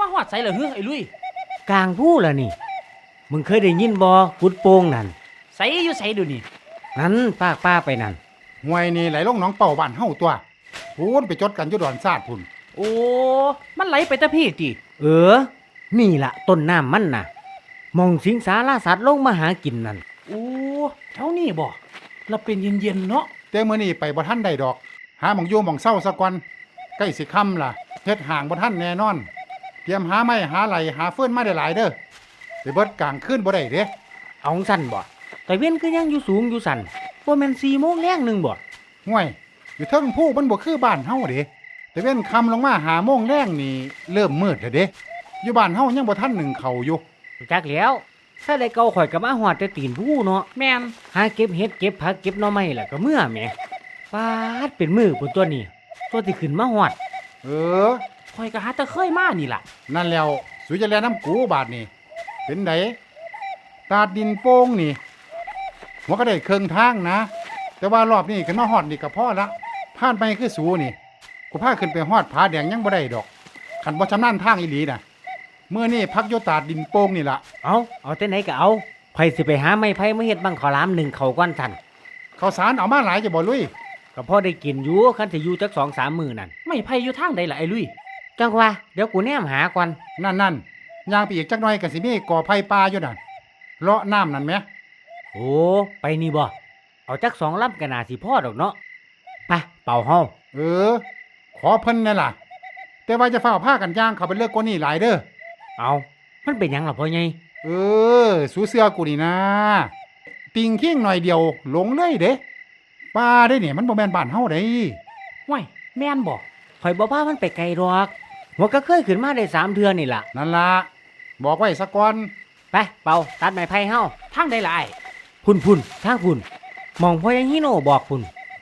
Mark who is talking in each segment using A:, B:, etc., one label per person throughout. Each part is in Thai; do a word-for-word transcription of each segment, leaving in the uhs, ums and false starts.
A: มาฮอดไสล่ะเฮ้อไอ้ลุย
B: กลางผู้ล่ะนี่มึงเคยได้ยินบ่กุดโป่งนั่น
A: ไสอยู่ไสเดี๋ยวนี้
B: นั้นปากป้าไปนั่น
C: ห้วยนี่ไหลลงหนองเป่าบ้านเฮาตัวพูนไปจดกันอยู่ดอนซาดพุ่น
A: โอ้มันไหลไปแต่พี่ติ
B: เออนี่ล่ะต้นน้ำมันน่ะมองสิงสารสัตว์ลงมาหากินนั่น
A: โอ้แถวนี้บ่แล้วเป็นเย็นๆเนาะ
C: แต่มื้อนี้ไปบ่ทันได้ดอกหาหม่องอยู่หม่องเศร้าซะก่อนใกล้สิค่ำล่ะเฮ็ดห่างบ่ทันแน่นอนเตรียมหาไม้หาไหลหาเฟื่อนมาได้หลายเด้อไปเบิดกลางคืนบ่ได้เด้
B: เอาสั่นบ่แต่เว้นคือยังอยู่สูงอยู่สั่นบ่แม่นสี่โมงแลงนึงบ่
C: ห่วยอยู่เทิงผู้มันบ่คือบ้านเฮาเด้แต่เว้นค่ำลงมาหาโมงแลงนี่เริ่มมืดแล้วเด้อยู่บ้านเฮายังบ่ทันหนึ่งเข้าอยู่
B: จักแล้วถ้าได้เก่าข่อยก็มาฮอดแต่ตีนผู้เนาะ
A: แม่น
B: หาเก็บเห็ดเก็บผักเก็บหน่อไม้ล่ะก็เมื่อแหมปาดเป็นมือพุ่นตัวนี้ตัวที่ขึ้นมาฮอด
C: เออ
A: ข่อยก็หาแต่เคยมานี่ล่ะ
C: นั่นแล้วสุจะแลน้ำกูบาดนี่เป็นไดตาดดินโป่งนี่หัวก็ได้เครื่องทางนะแต่ว่ารอบนี้ขึ้นมาฮอดนี่ก็พอละผ่านไปคือสูนี่กูพาขึ้นไปฮอดผาแดงยังบ่ได้ดอกคันบ่ชำนาญทางอีหลีน่ะเมื่อนี่พักอยู่ตาดดินโป่งนี่ล่ะ
B: เอาเอาแต่ไหนก็เอาไผสิไปหาไม้ไผ่มาเฮ็ดบังข้าวหลามหนึ่งเขาก่อนทัน
C: ข้าวสารเอามาหลายจะบ่ลุย
B: ก็พอได้กินอยู่คันสิอยู่จัก สองสาม มื้อนั่น
A: ไม่ไผอยู่ทางใดล่ะไอ้ลุย
B: จังว่าเดี๋ยวกูแนมหาก่อน
C: นั่นๆย่างไปอีกจักหน่อยก็สิมีก่อไผ่ป่าอยู่นั่นเลาะน้ำนั่นแหม
B: โอ้ไปนี่บ่เอาจักสองลำก็น่าสิพอดอกเนาะไปเป่าเฮา
C: เออขอเพิ่นนั่นล่ะแต่ว่าจะฝ้าผ้ากันย่างเขาไปเลิกกว่านี้หลายเด้อ
B: เอามันเป็นหยังล่ะพ่อใหญ่
C: เออสู้เสื้อกูนี่นะปิงขิ้งหน่อยเดียวหลงเลยเด้ป้าได้เนี่ยมันบ่แม่นบ้านเฮาเด้
A: ห้วยแม่นบ่
B: ข่อยบ่พามันไปไกลดอกหัวก็เคยขึ้นมาได้สามเทื่อนี่ล่ะ
C: นั่นล่ะบอกไว้ซะก่อน
B: ไปเป่าตัดไม้ไผ่เฮา
A: ทางใดล่ะไอ้
B: พุ่นๆทางพุ่นมองพ่อยังฮิโน่บอกพุ่น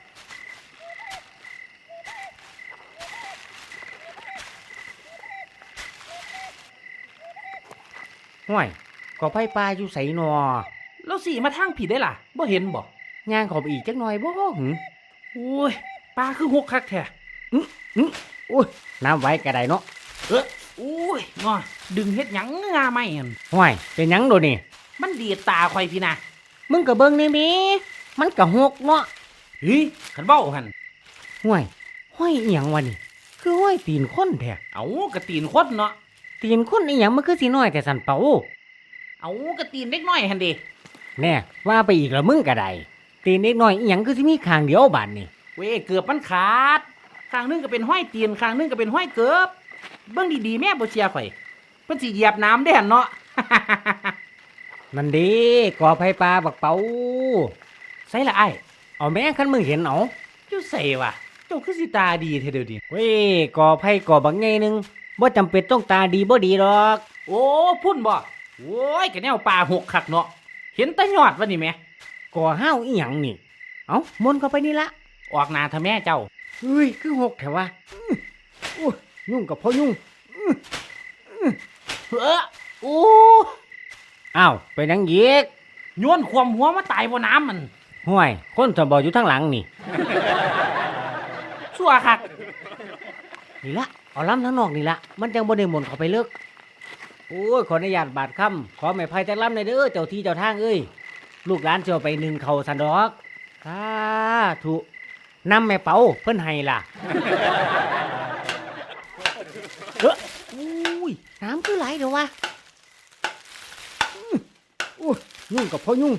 B: ห่วยก็ไผ่ปลาอยู่ไสนอ
A: แล้วสิมาทางผิดได้ล่ะบ่เห็นบ่
B: ย่างขอไปอีกจักหน่อยบ่หึ
A: โอ้ยปลาคือหกคักแท้
B: อื้ออื้อโอ้ยน้ำไว้ก็ได้เนาะ
A: เออโอ้ยงอดึงเฮ็ดหยังงาไม่หั่น
B: ห่วยเป็นหยังโดนี่
A: มันดีดตาข่อยพี่นะ
B: มึงก็เบิ่งนี่แม่มันก็หกเนาะ
A: เฮ้ยคันเว้าหั่น
B: ห่วยห้อยอีหยังวะนี่คือห้อยตีนคนแท้
A: เอ้ากะตีนคนเนาะ
B: ตีนคนอีหยังมันคือสิน้อยแต่สั่นเป่า
A: เอ้ากะตีนเล็กน้อยหั่นดิ
B: แน่ว่าไปอีกแล้วมึงก็ได้ตีนเล็กน้อยอีหยังคือสิมีข้างเดียวบาดนี่
A: เว้ยเกือบมันขาดข้างนึงก็เป็นห้อยตีนข้างนึงก็เป็นห้อยเกือบเบิ่งดีๆแม่บ่เชื่อข่อยเพิ่นสิเหยียบน้ำได้หั่นเนาะ
B: นั่นดิก่อไผ่ปลาบักเป๋า
A: ใส่ละไอ้
B: เอาแม่คันมึงเห็นเอา
A: อยู่ใส่วะเจ้าคือสิตาดีเท่เดียวดิ
B: เว้ยก่อไผ่ก่อบักไงนึงบ่จำเป็นต้องตาดีบ่ดีหรอก
A: โอ้พุ่นบ่โอ้ยกะแนวปลาหกคักเนาะเห็นแต่ยอดวะนี่แม่
B: ก่อห้าวอีหยังนี่เอ้ามนเข้าไปนี่ละ
A: ออกหน้าทะแม่เจ้า
B: เฮ้ยคือหกแท้วะอู้ยุ่งกับพ่อยุ่ง
A: เออโอ้
B: อ้าวไปนังเยีก
A: โยนความหัวมาตายบนน้ำมัน
B: ห่วยคนสมบ่อยู่ทางหลังนี่
A: ชั่วคัก
B: นี่ละเอาล้ำทั้งนอกนี่ละมันจังบ่ได้หมนเข้าไปเลิกโอ้ยขออนุญาตบาดค่ำขอไม้ไผ่จักล้ำหน่อยเด้อเจ้าที่เจ้าทางเอ้ยลูกหลานสิเอาไปนึ่งข้าวสันดอกสาธุนำแม่เป๋าเพิ่นให้ล่ะเอ้ออุ้ยน้ำคือไหลเด้อวะอู้ยุ่งกับพ่อยุ่ง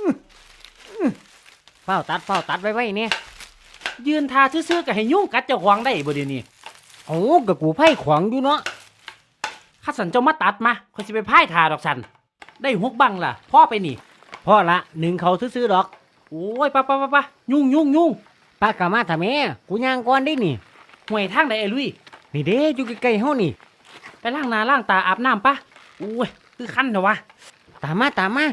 B: เฝ้าตัดเฝ้าตัดไว้ไว้เนี่ย
A: ยืนทาซื่อๆก็ให้ยุ่งกัดเจ้าขวางได้บ่เดี๋ยวนี้
B: โอ้กับกูไผ่ขวางอยู่เนาะ
A: ข้าสันเจ้ามาตัดมาค่อยสิไปพ่ายทาดอกสันได้หกบังล่ะพ่อไปนี่
B: พ่อละหนึ่งเขาซื่อๆดอก
A: โอ้ยปะปะปะปะยุ่งยุ่งยุ่ง
B: ปากกามาทำแม่กูย่างก่อนได้นี่
A: ห่วยทางใดไอ้ลุย
B: นี่เด้อยู่ใกล้ๆเฮานี่
A: ไปล้างหน้าล้างตาอาบน้ำปะโอ้ยคือคันเถอะวะ
B: ตามมาตามมา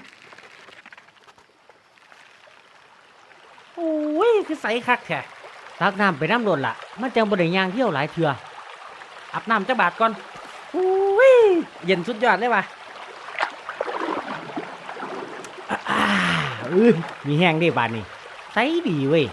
A: โอ้ยคือใสคักแท้
B: ตักน้ำไปน้ำโดนละมันจังบ่ได้ย่างเที่ยวหลายเทื่อ
A: อาบน้ำจักบาทก่อนโอ้ยเย็นสุดยอดเลยว่ะ
B: อ่าเออมีแห้งได้บาดนี่ใสดีเว้ย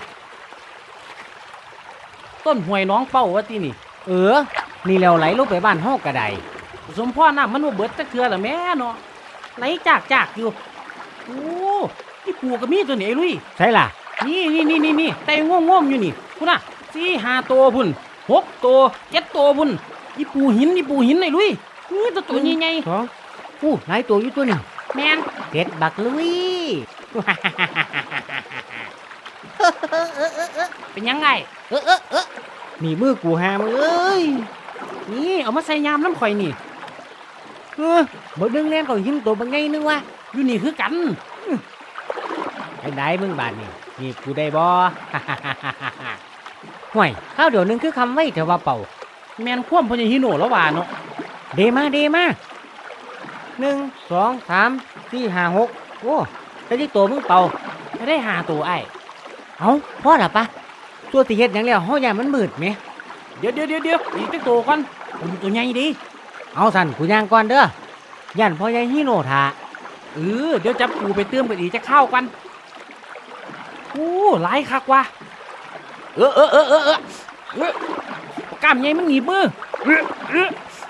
A: ต้นห้วยน้องเป้าวะที่นี่
B: เออนี่แล้วไหลลงไปบ้านเฮาก็ได้
A: สมพ่อน้ำมันบ่เบิดจักเทื่อละแม่เนาะไหลจากจากอยู่โอ้นี่ปูก็มีตัวนี้ไอ้ลุย
B: ใช่ล่ะ
A: นี่นี่นี่นี่นี่แต่ง่วงง่วงๆอยู่นี่พุ่นน่ะสี่ห้าตัวพุ่นหกตัวเจ็ดตัวพุ่นนี่ปูหินนี่ปูหินไอ้ลุยนี่ตัวตัวใหญ่
B: สองอู้หลายตัวอยู่ตัวนี่
A: ๆแม่น
B: เด็ดบักลุย
A: เป็นยังไง
B: เออเออเออนี่มือกูหามึงเอ้ย
A: นี่เอามาใส่ยามน้ำข่อยนี่
B: เออบ่ดึงแน่นเขาหินตัวบางไงนึงวะ
A: อยู่นี่คือกัน
B: ไอ้ได้มึงบาดนี่นี่กูได้บ่ ห่วยข้าวเดี๋ยวนึงคือคำไว้เถอะว่าเป่า
A: แม่นคว่ำพญาฮิโนแล้วว่าเนาะ
B: เดมาเดมาหนึ่งสองสามสี่ห้าหกโอ้แต่ที่ตัวมึงเป่า
A: ไม่ได้หาตัวไอ้
B: เอาพ่อละปะตัวตีเฮ็ดหยังแล้วเฮาอย่ามันมืดไหม
A: เดี๋ยวเดี๋ยวเดี๋ยวเดี๋ยวอีกจักตัวก่อนผมตัวใหญ่ดี
B: เอาสั่นกูย่างก่อนเด้อย่านพ่อใหญ่ฮีโน่ท่า
A: เออเดี๋ยวจับปูไปเติมกันอีกจะเข้ากันโอ้หลายคักว่ะเออเออเออเออเออเออกล้ามใหญ่มันหนีบมือเออเออ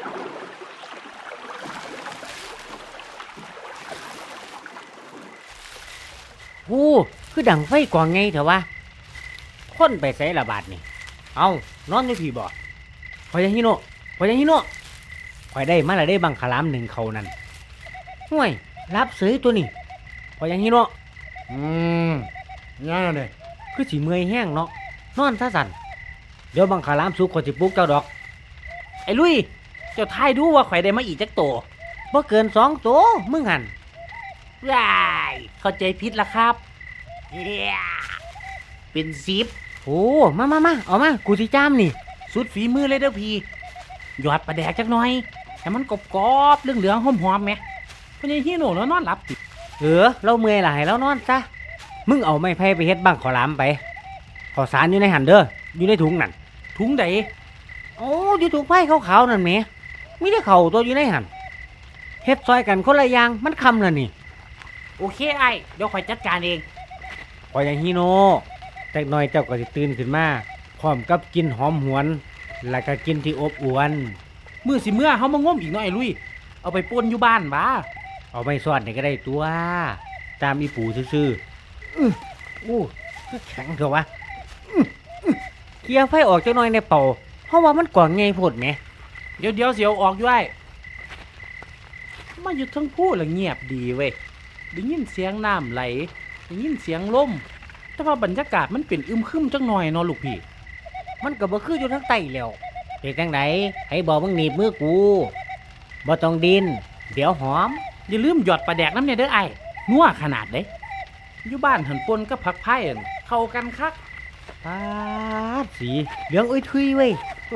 B: โอ้คือดังไฟกว่างไงเถอะวะคนไปใส่ละบาดนี่เอานอนอยู่พี่บ่พ่อใหญ่ฮีโน่พ่อใหญ่ฮีโน่ข่อยได้มาแล้วได้บังคลามหนึ่งเขานั่นห่วยรับเสยตัวนี้พ่อใหญ่ฮีโน่
C: อืมยังไงเนี่ย
B: คือสิเมื่อยแห้งเนาะนอนซะสั่นเดี๋ยวบังคลามสุกข่อยสิปลุกเจ้าดอก
A: ไอ้ลุยเจ้าทายดูว่าข่อยได้มาอีกจักตัว
B: บ่เกินสองตัวมึงหัน
A: ว้ายเข้าใจผิดละครับเหี้ยเป็นสิบ
B: โอ้มามามาเอามากูสิจ้ามนี่
A: สุดฝีมือเลยเด้อพี่หยอดปลาแดกจักหน่อยให้มันกรอบๆเหลืองๆหอมๆไหมพญาฮิโนแล้วนอนหลับติ
B: เออเราเมื่อยล่ะให้เรานอนซะมึงเอาไม้ไผ่ไปเฮ็ดบังขอลามไปขอสารอยู่ในหันเด้ออยู่ในถุงนั่น
A: ถุงใด
B: โอ้อยู่ถุงไผ่ขาวๆนั่นแหมมีแต่เข่าตัวอยู่ในหันเฮ็ดซอยกันคนละอย่างมันคำแล้วนี่
A: โอเคไอ้เดี๋ยวข่อยจัดการเอง
B: พออย่างฮีโน่จักหน่อยเจ้าก็สิตื่นขึ้นมาพร้อมกับกินหอมหวน แล้วก็กินที่อบอวน
A: มือสิเมื่อเขามางมอีกหน่อยลุยเอาไปป่นอยู่บ้านบ้า
B: เอาไม่ซอดนี่ก็ได้ตัว ตามอีปู่ซื่อๆอื้ออู้คือแข็งเถอะวะอื้ออื้อเคลียร์ไฟออกจักหน่อยในเป่าเพราะว่ามันกว่างไงโพดแหม
A: เดี๋ยวเดี๋ยวเสียวออกอยู่ไอ้มาอยู่ทั้งพูดละเงียบดีเว้ยได้ยินเสียงน้ำไหลได้ยินเสียงลมแต่ว่าบรรยากาศมันเป็นอึมครึมจังหน่อยเนาะลูกพี่
B: มันก็บ่คืออยู่ทั้งไตแล้วเป็นจังไดให้บอกมึงหนีบมือกูบ่ต้องดิน เดี๋ยวหอม
A: อย่าลืมหยอดปลาแดกน้ำเนี่ยเด้อไอ้นัวขนาดเด้อยู่บ้านหันปนกับผักไผ่อั่นเข้ากันคัก
B: ปาดสีเหลืองอุ้ยทุยเว้ย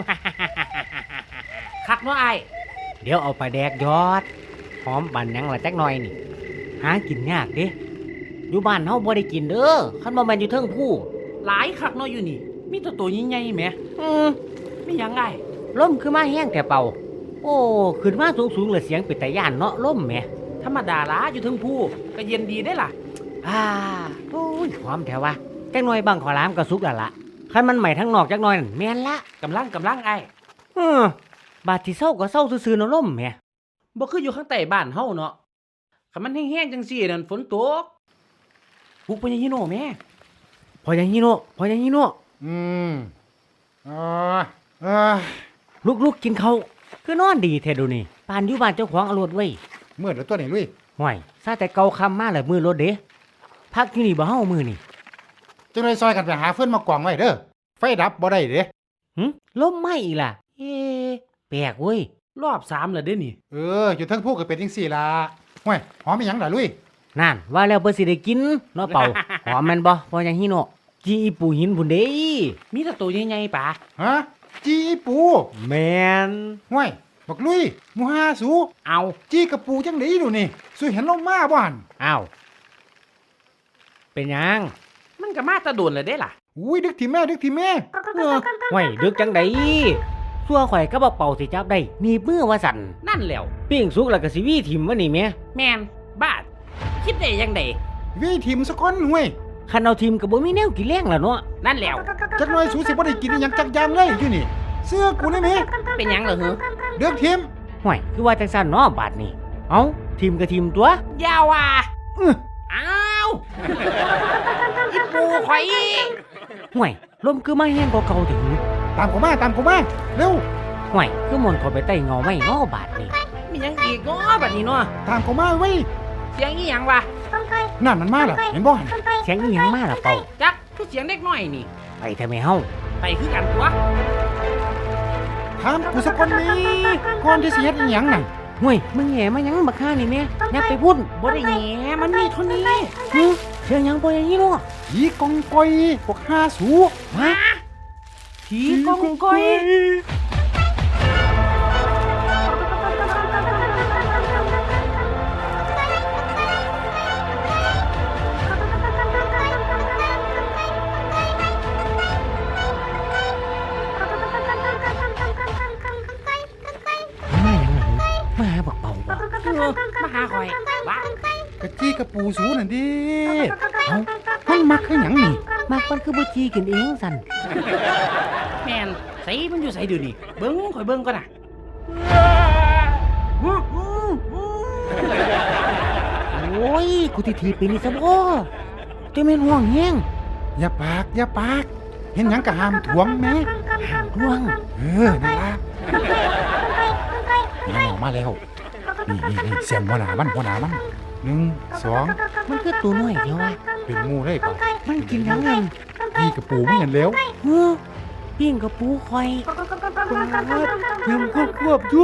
A: คักเนาะไอ้
B: เดี๋ยวเอาปลาแดกยอด หอมบันหยังละจักหน่อยนี่ หากินยากเด้อยู่บ้านเฮาบ่ได้กินเด้อคันบ่แม่นอยู่เทิงผู้
A: หลายคักเนาะอยู่นี่ มีแตัวตัวใหญ่ๆแหม
B: อืม
A: ไม่ยังไง
B: ลมคือมาแห้งแต่เป่า โอ้ขึ้นมาสูงๆเลยเสียงเป็นตาย่านเนาะลมแหม
A: ธรรมดาละอยู่เทั้งผู้ก็เย็นดีได้ล่ะ
B: อ่าโอ้ยหอมแถววะจักหน่อยบังขอลามก็สุกแล้วล่ะคันมันใหม่ทั้งนอกจักหน่อยนั่นแม่นละ
A: กำลังกำลังไอ้
B: เออบาดที่เศร้าก็เศร้าซื่อๆเนาะลมแหม
A: บ่คืออยู่ข้างใต้บ้านเฮาเนาะคันมันแห้งๆจังซี่นั่นฝนตกปุกพญาฮิโนแม่
B: พออย่างนี้เนาะพออย่างนี้เนาะ
C: อืมอ่าอ่า
B: ลุกๆกินเขาวคือนอนดีแท้ดูนี่ปานอยู่บ้านเจ้าของเอารถไว้
C: เมื่อเดี๋ยวตัวไหนลุย
B: ห่วยซาแต่เกาคำมาแล้วมือรถเด้พักอยู่นี่บ่เฮามือนี่
C: จังเลยซอยกันไปหาเฟื่อนมากวางไว้เด้อไฟดับบ่ได้เด้
B: หึลมไหม้อีกล่ะ เอ๊ะแปลกเว้ย
A: รอบสามแล้วเด้นี่
C: เอออยู่เทั้งผู้ก็เป็นจังซี่ล่ะห้วยหอมอีหยังล่ะลุย
B: นั่นว่าแล้วเพิ่นสิได้กินเนาะเป่า หอมแม่นบ่พออย่างนี้เนาะจีอีปูหินพุ่นเด้
A: มีแต่ตัวใหญ่ๆป่า
C: ฮะจีอีปู
B: แม่น
C: ห้วยบักลุยหมูฮาสู
A: เอา
C: จีกระปูจังได๋ดูนี่สุเห็นลงมาบ่หั่น
B: อ้าวเป็นหยัง
A: มันก็มาแตะโดนเลยเด้ล่ะ
C: อุ้ยดึกที่แม่ดึกที่แม่เออ
B: ห่วยดึกจังไดซัวข่อยก็บ่เป่าสิจับได้หนีบมือว่าสั่น
A: นั่นแหล้ว
B: ปิ้งสุกแล้วก็สิวีถิ่มวะนี่แม่
A: แมนบาดคิดได้ยังได
C: วิทิมซะก่อนห้วย
B: คันเอาทีมก็บ่มีแนวกินแรงล่ะเนาะ
A: นั่นแหล้ว
C: จักหน่อยสูสิบ่ได้กินอิหยังจักอยางเลยอยู่นี่เสื้อกูนี่แม่
A: เป็นหยังเหรอฮึ
C: เดือกทิม
B: ห่วยคือว่าจังซั่นเนาะบาดนี้เอ้าทีมก็ทีมตัวย
A: าวว่ะ
B: อื้อ
A: อ้าวอีปูข่อย
B: ห่วยลมคือมาแห้งกว่าเก่าถึง
C: ตามกูมาตามกูมาเร็ว
B: ห่วยคือมนต์เข้าไปใต้เงาไม้เนาะบาดนี้
A: มีหยังอีกเนาะบัดนี้เนาะ
C: ตามกูมาเว้ย
A: เสียงอีหยังวะ
C: นั่นมันมาแล้วเห็นบ่
B: เสียงอีหยังมาล่ะเป่า
A: จักคือเสียงเด็กน้อยนี่
B: ไปเถอะแม่เฮา
A: ไปคือกันตัว
C: ถามกูสักคนนี้ก่อนที่สิเฮ็ดอีหยังนั่น
B: ห่วยมึงแหมาหยังบักฆ่านี่แม่อย่าไปพุ่น
A: บ่ได้แหงมันมีเท่านี้
B: ฮึเสียงหยังบ่อย่างนี้เนาะ
C: ผีกองกอยพวกห้าสู
B: ฮะ
A: ผีกองก้อย
B: มาหยังหลังมาหาบักเป่าบ่
A: เออมาหาข่อยบ้าก
C: ะจี้กระปูสูนั่นดิเอ้ามันมักคือหยังนี่
B: มากมันคือบ่จีกินเองสั่น
A: แม่นใส่มันอยู่ใส่เดี๋ยวนี้เบิ่งข่อยเบิ่งก่อนน่ะ
B: โอ้ยกูสิถีบไปนี่ซะบ่จะแม่นห่วงแฮง
C: อย่าปากอย่าปาก เห็นหยังก็ห้ามถ่วงแม่
B: ห่วง
C: เออนั่นล่ะมาแล้วมาแล้วนี่นี่นี่เสียงหัวหน้ามันหัวหน้ามันหนึ่งสอง
B: มันคือตัวน้อยเดียวว่ะ
C: เป็นหมูเลยเปล่า
B: มันกินหยังไง
C: พี่กระปูไม่เห็นแล้ว
B: เฮ้อปิ้งกับปูคอยเพิ่มควบควบอยู่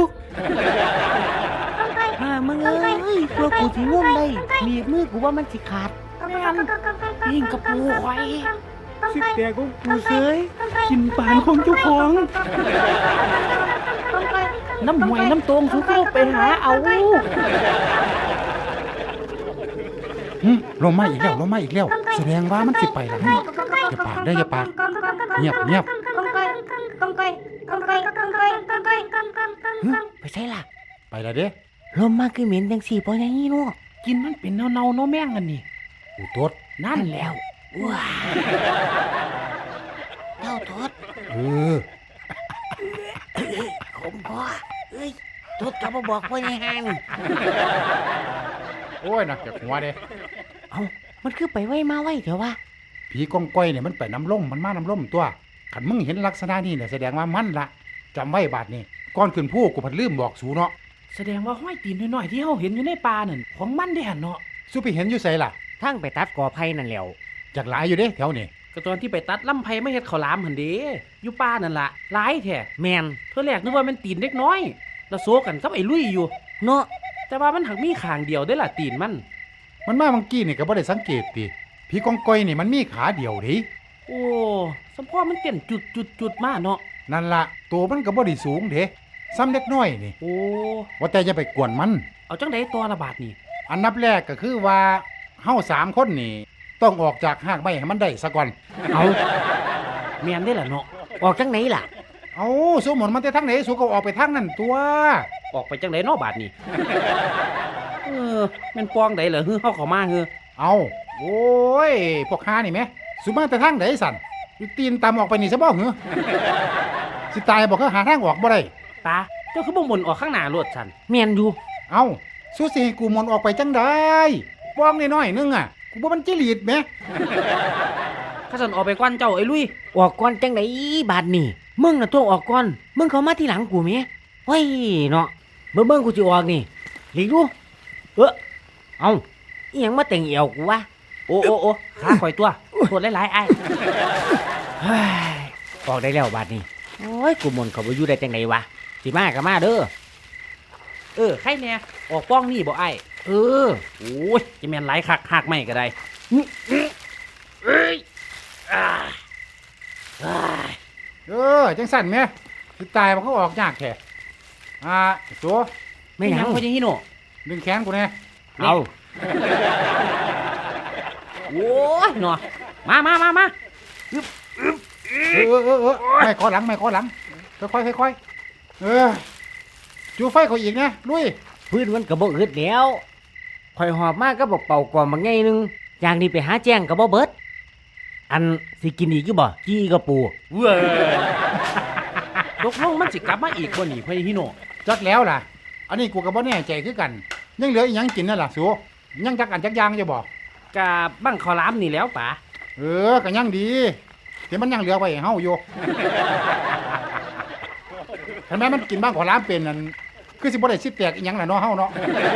B: ฮ่ามึงเอ้ยตัวกูสิง่วมได้มีบมือกูว่ามันสิขาด
A: แม่นยิงกระปูข่อย
B: สิแตกของกูเซย
A: กินปานของเจ้าของน้ำหวยน้ำตรงทุกเข้าไปหาเอา
C: หึลงมาอีกแล้วลงมาอีกแล้ว แสดงว่ามันสิไปแล้วนี่อย่าปากได้ออย่าปากเงียบเงียบ
B: เฮ้ยไปใช่ล่ะ
C: ไปแล้วเด้
B: ลมมาคือเหม็นจังสี่ปอยังงี้เนาะ
A: กินมันเป็นเนาๆเนาะแม่งกันนี่
C: กูตด
A: นั่นแล้ว
B: ว้าเจ้าทศ
C: เออ
B: ขมพ่อเอ้ยทศกับมาบอกพ่อยังหัน
C: โอ้ยนักจากหัวเด้
B: เอ้ามันคือไปไว้มาไว้เถอะวะ
C: ผีกองก้อยเนี่ยมันไปน้ำล่มมันมาน้ำล่มตัวขันมึงเห็นลักษณะนี้เนี่ยแสดงว่ามันละจำไว้บาดนี้ก่อนขึ้นผู้กูผัดลืมบอกสูเนาะ
A: แสดงว่าห้อยตีนน้อยๆที่เฮาเห็นอยู่ในป่านั่นของมันได้หั่นเนาะ
C: สู้ไปเห็นอยู่ไสล่ะ
B: ทั้งไปตัดกอไผ่นั่นแหล้ว
C: จากหลายอยู่เด้แถวนี้
A: ก็ตอนที่ไปตัดลำไผไม่เฮ็ดข้าวหลามหั่นเด้อยู่ป่านั่นล่ะหลายแท้
B: แมน
A: เท่าแรกนึกว่ามันตีนเล็กน้อย แล้วโซกันกับไอ้ลุยอยู่
B: เนาะ
A: แต่ว่ามันหักมีข้างเดียวได้อล่ะตีนมัน
C: มันมาเมื่อกี้นี่ก็บ่ได้สังเกตติผีกองก้อยนี่มันมีขาเดียวเดิ
A: โอ้สมพ่อมันเต้นจุดจุดจุดๆๆมาเนาะ
C: นั่นละตัวมันก็บ่ได้สูงเด้ซ้ำเล็กน้อยนี่
A: โอ้
C: ว่าแต่จะไปกวนมัน
A: เอาจังไดตัวละบาทนี่
C: อันดับแรกก็คือว่าเฮาสามคนนี่ต้องออกจากหากไม้ให้มันได้ซะก่อน
B: เอา
A: แม่นได้อล่ะเนาะ
B: ออกจังไหนล่ะ
C: เอาสูหมนมันแต่ทางไหนสูก็ออกไปทางนั้นตัว
A: ออกไปจังไดเนาะบาทนี่เออแม่นปองใดเหรอฮือเฮาเข้ามาฮือ
C: เอาโอ้ยพวกค้านี่แหมสูมาแต่ทางไหนสั่นอยู่ตีนตามออกไปนี่ซะบ่เหรอสิตายบอกเขาหาทางออกบ่ได้
A: ตาเจ้าคือบ่หมุนออกข้างหน้ารถฉัน
B: แมนอยู่
C: เอาสู้สิให้กูหมนออกไปจังได้ป้องน้อยๆนึงอ่ะกูบ่มันจิลีดแหม
A: ข้าสันออกไปกวนเจ้าไอ้ลุย
B: ออกก่อนจังไหนบาดนี่มึงน่ะตัวออกก่อนมึงเข้ามาทีหลังกูแม่เฮ้ยเนาะเบิ่งเบิ่งกูสิออกนี่หลีกดูเออเอาอีหยังมาแต่งเอวกูวะ
A: โอ้โอ้โอ้ขาข่อยตัวโทษหลายๆไอ้าย
B: เฮ้ยออกได้แล้วบาดนี้โอ้ยกูมนต์เขาบ่อยู่ได้จังไหนวะสิมาก็มาเด้อ
A: เออใครแน่ออกป้องนี่บ่ไอ้าย
B: เออ
A: โอ้ยจะแม่นหลายคักหักไม่ก็ได้เอ้ยอ่าอ่า
C: เออจังสั่นแหมสิตายมันก็ออกยากแท้อ่าตัว
B: ไม่หยัง
A: พ่อยังฮิโน่
C: ดึงแขนกูแน่
B: เอา
A: โอ้ยเนาะมามามามา
C: เออเออเออเออไม่ขอหลังไม่ขอหลังค่อยๆค่อยๆเออจูไฟเขาอีกนะลุย
B: พื้นมันก็บ่อึดแล้วข่อยหอบมาก็บอกเป่ากอมบางไงนึงอย่างนี้ไปหาแจ้งก็บ่เบิดอันสิกินอีกอยู่บ่จี้กระปู
A: เว้ยตกลงมันสิกลับมาอีกบ่นี่พ่อยังฮิโน่
C: จักแล้วล่ะอันนี้กูก็บ่แน่ใจคือกัน ยังเหลืออีหยังกินนั่นล่ะสูยังจักอันจักอยางอยู่บ่
A: กะบั้งข้าวหลามนี่แหล้วป๋า
C: เออก็ยังดีที่มันยังเหลือไว้ให้เฮาอยู่ เห็นไหมมันกินบ้างขอล้ามเป็นนั่นคือสิบ่ได้สิแตกอีหยังล่ะเนาะเฮาเนาะ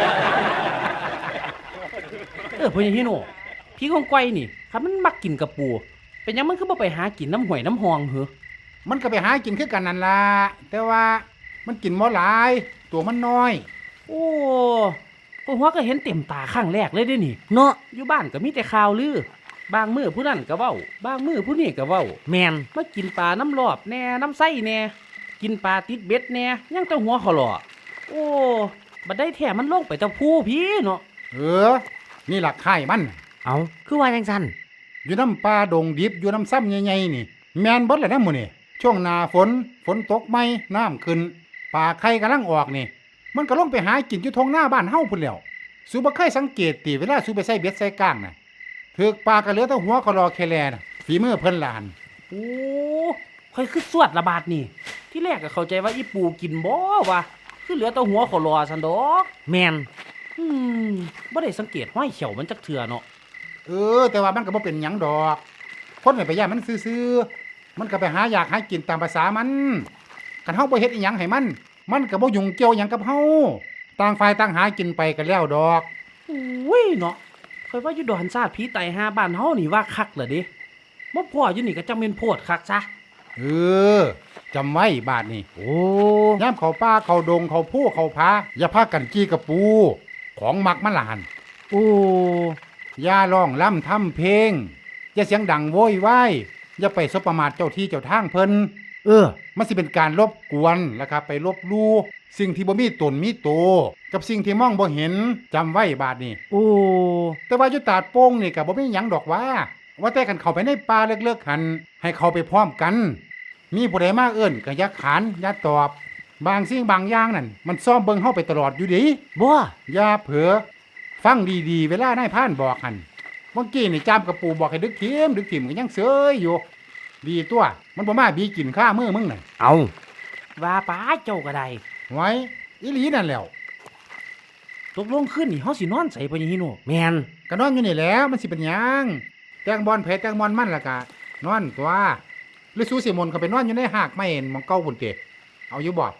A: เออพ่อใหญ่ฮิโนพี่ของก้อยนี่ครับมันมักกินกับปูเป็นหยังมันคือบ่ไปหากินน้ำห้วยน้ำหองเหรอ
C: มันก็ไปหากินคือกันนั่นล่ะแต่ว่ามันกินบ่หลายตัวมันน้อย
A: โอ้ก็หัวก็เห็นเต็มตาครั้งแรกเลยเด้นี่
B: เนาะ
A: อยู่บ้านก็มีแต่ข่าวลือบางมื้อผู้นั้นก็เว้าบางมื้อผู้นี้ก็เว้า
B: แมน
A: มากินปลาน้ำรอบแน่น้ำไส้แน่กินปลาติดเบ็ดแน่ยังแต่หัวเขาหล่อโอ้บัดได้แท้มันลงไปตะพูพี่เนาะ
C: เออนี่ล่ะไข่มัน
B: เอาคือว่าจังซั่น
C: อยู่น้ำปลาดงดิบอยู่น้ำซ้ำใหญ่ๆนี่แม่นเบิดแหละนะหมื้อนี่ช่วงหน้าฝนฝนตกใหม่น้ำขึ้นปลาไข่กำลังออกนี่ มันก็ลงไปหากินอยู่ทงหน้าบ้านเฮาพุ่นแล้วสูบ่เคยสังเกตติเวลาสูไปใส่เบ็ดใส่ก้างน่ะถึกปลาก็เหลือแต่หัวก็รอแค่แลน่ะฝีมือเพิ่นล่ะหั่น
A: โอ้ค่อยคือสวดระบาดนี่ ที่แรกก็เข้าใจว่าอีปูกินบ่วะคือเหลือแต่หัวเขาหล่อสันดอก
B: แมน
A: อืมบ่ได้สังเกตห้อยเขียวมันจักเถื่อเนาะ
C: เออแต่ว่ามันก็บ่เป็นหยังดอกคนไม่ไปย่านมันซื่อๆมันก็ไปหาอยากหากินตามภาษามันคันเฮาบ่เฮ็ดอีหยังให้มัน มันก็บ่ยุ่งเกี่ยวหยังกับเฮาต่างฝ่ายต่างหากินไปก็แล้วดอก
A: อุ้ยเนาะค่อยว่าอยู่ดอนซาดผีไตหาบ้านเฮานี่ว่าคักเหรอเด้บ่พ่ออยู่นี่ก็จังเป็นโพดคักซะ
C: เออจำไว้บาดนี้
B: โอ้
C: ย่ามเขาป่าเขาดงเขาผู้เขาพาอย่าพากันจี้กระปู ของมักมันละหัน
B: โอ้
C: อย่าร้องล่ำทำเพลงอย่าเสียงดังโวยวายอย่าไปสบประมาทเจ้าที่เจ้าทางเพิ่น
B: เออ
C: มันสิเป็นการรบกวนแล้วครับไปลบลู่สิ่งที่บ่มีตนมีโตวกับสิ่งที่มองบ่เห็นจำไว้บาดนี้
B: โอ้
C: แต่ว่าอยู่ตาดโป้งนี่ก็บ่มีหยังดอกว่า ว่าแต่กันเข้าไปในป่าเลิกๆหันให้เข้าไปพร้อมกัน มีผู้ใดมาเอิ้นก็อย่าขานอย่าตอบ บางสิ่งบางอย่างนั่นมันซ่อมเบิ่งเฮาไปตลอดอยู่ดิ
B: บ่
C: อย่าเผลอฟังดีๆเวลานายพรานบอกหันเมื่อกี้นี่จามกระปูบอกให้ดึกทิมดึกทิมก็ยังเสยอยู่ ดีตัวมันบ่มาบีกินข้ามือมึงน่ะ
B: เอา
A: ว่าป้าเจ้าก็ได้
C: ไว้อีหลีนั่นแหล้ว
A: ตกลงขึ้นนี่เฮาสินอนใส่พ่อใหญ่ฮิโน
B: แมน
C: ก็นอนอยู่นี่แหล้วมันสิเป็นหยังแตงบอลเพแตงบอลมันล่ะกะนอนตัวหรือสู้สิมนต์เขาไปนอนอยู่ในหากไม่เห็นหมองเก้าพุ่นเตะเอาอยู่บ่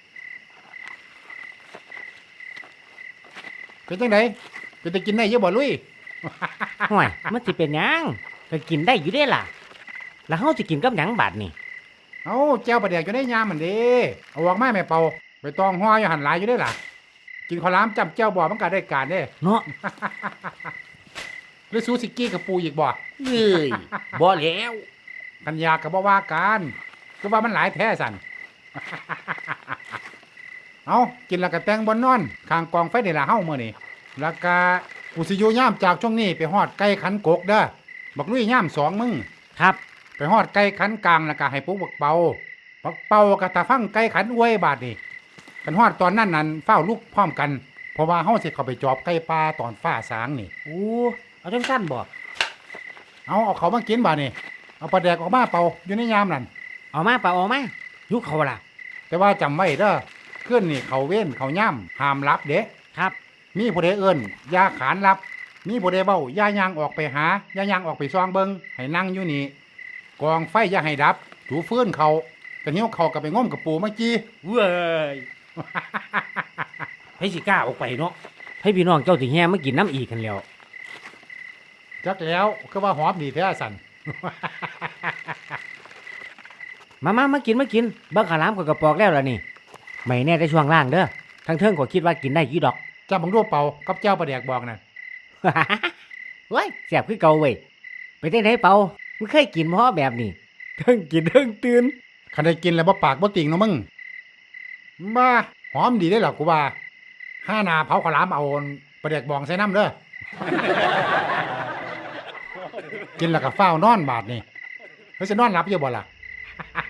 C: เป็นจังไดเป็นจะกินได้เยอะบ่ลุย
B: ห่วยมันสิเป็นหยังก็กินได้อยู่เด้ล่ะ แล้วเฮาสิกินกับหยังบาดนี่
C: เอาแจ้วปลาแดกอยู่ในยามมันเด้เอาออกมาแม่เป่าไปตองห้อยอยู่หันหลายอยู่ได้ล่ะ กินข้าวหลามจำแจ้วบ่มันก็ได้การเด้
B: เนาะ
C: หรือสู้สิกี้กับปูอีกบ่
A: เอ้ยบ่แล้ว
C: กันยากับบ่ว่ากันก็ว่ามันหลายแท้สัน เอากินแล้วก็แต่งบนนอนข้างกองไฟนี่ล่ะเฮามื้อนี้แล้วก็กูสิอยู่ย่ามจากช่วงนี้ไปฮอดไก่ขันกกเด้อบักลุยย่ามสองมึง
B: ครับ
C: ไปฮอดไก่ขันกลางแล้วก็ให้ปุ๊กบักเป่าบักเป่าก็ตาฟังไก่ขันอวยบาดนี่กันฮอดตอนนั้นนั่นเฝ้าลูกพร้อมกัน เพราะว่าเฮาสิเข้าไปจอบไก่ป่าตอนฟ้าสางนี่
A: โอ้เอาจังซั่นบ่
C: เอาเอาเขามากินบาดนี่เอาปลาแดกออกมาเป่าอยู่ในยามนั่น
B: เอามาเปล่าเอามายุคเขาล่ะ
C: แต่ว่าจำไว้เด้อขึ้นนี่เขาเว้นเขาย่ำห้ามรับเด้
B: ครับ
C: มีผู้ใดเอิ้นอย่าขานรับ มีผู้ใดเบ้าอย่าย่างออกไปหาอย่าย่างออกไปซองเบิงให้นั่งอยู่นี่กองไฟอย่าให้ดับถูฟื้นเขากันหิ้วเขากับไปง้มกับปูเมื่อกี้
A: เว้ย ไผสิกล้าออกไปเนาะ
B: ให้พี่น้องเจ้าสิแห่มากินน้ำอีกกันแล้ว
C: จักแล้วคือว่าหอมดีแท้สัน
B: มามามากินมากินเบิ่งข้าวหลามกับกระปอกแล้วล่ะนี่ไม่แน่แต่ช่วงล่างเด้อทั้งเทิงก็คิดว่ากินได้กี่ดอก
C: จำบังรูปเป่ากับเจ้าปลาแดกบอกนั่น
B: เว้ยแซ่บคือเก่าเว้ยไปจังไดเป่ามึงเคยกินบ่แบบนี้เทิงกินเทิงตื่น
C: คันได้กินแล้วบ่ปากบ่ติ่งเนาะมึงบ้าหอมดีได้หรอกูว่าห้าหนาเผาข้าวหลามเอาปลาแดกบองใส่น้ำเด้อ กินแล้วก็เฝ้านอนบาดนี่เฮ้ยจะนอนหลับอยู่บ่ล่ะ